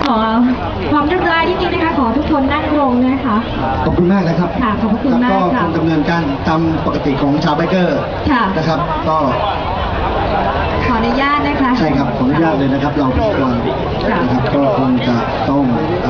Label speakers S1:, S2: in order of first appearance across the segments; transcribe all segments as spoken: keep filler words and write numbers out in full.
S1: ขอความเรียบร้อยนิดนึงนะคะขอทุกคนนั่งลงนะคะ
S2: ขอบคุณมากนะครับ
S1: ค่ะขอบคุณมากค่ะ
S2: ก็ดำเนินการตามปกติของชาวไบเกอร์นะครับก็
S1: ขออนุญาตนะคะ
S2: ใช่ครับขออนุญาตเลยนะครับเราทุกคนนะครับก็คงจะต้อง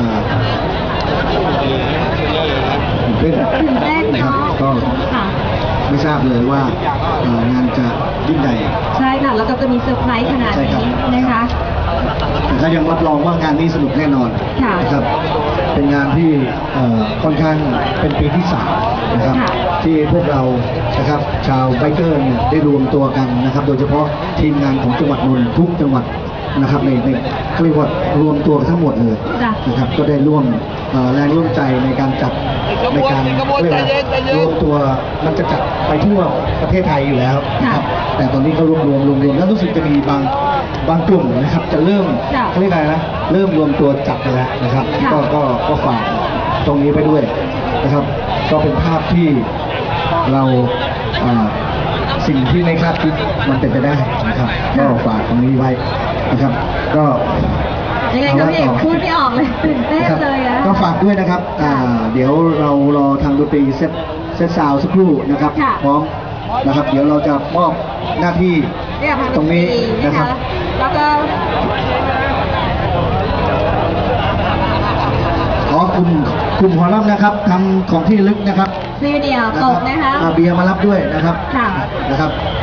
S1: ตื่นเต้น
S2: นะครับก็ไม่ทราบเลยว่างานจะยิ่งใหญ่
S1: ใช่ค่ะแล้วก็จะมีเซอร์ไพรส์ขนาดนี้นะคะ
S2: แต่ก็ยังรับรองว่างานนี้สนุกแน่นอนนะครับเป็นงานที่ค่อนข้างเป็นปีที่สามนะครับที่พวกเรานะครับชาวไบเกอร์เนี่ยได้รวมตัวกันนะครับโดยเฉพาะทีมงานของจังหวัดนนท์ทุกจังหวัดนะครับในในเรียกว่ารวมตัวทั้งหมดเลยนะครับก็ได้ร่วมแรงร่วมใจในการจัดในการเรียกว่ารวมตัวมันจะจัดไปทั่วประเทศไทยอยู่แล้วนะครับแต่ตอนนี้ก็รวมรวมรวมรวมแล้วรู้สึกจะมีบางบางกลุ่มนะครับจะเริ่มเขาเรียกอะไรนะเริ่มรวมตัวจัดไปแล้วนะครับก็ก็ก็ฝากตรงนี้ไปด้วยนะครับก็เป็นภาพที่เราสิ่งที่ไม่คาดคิดมันเป็นไปได้นะครับก็ฝากตรงนี้ไว้นะครับก็
S1: ยังไงก็พี่เอกพูดไม่ออกเลยตื่นเต้นเลยอะ
S2: ก็ฝากด้วยนะครับเดี๋ยวเรารอทางดนตรีเซตเซตซาวสักครู่นะครับพร้อมนะครับเดี๋ยวเราจะมอบหน้าที่ตรงนี้นะครับ
S1: แล้วก็
S2: ขอกลุ่มกลุ่มหัวรับนะครับทำของที่ลึกนะครับ
S1: ซีเดียวตกนะคะ
S2: เบียร์มารับด้วยนะครับนะครับ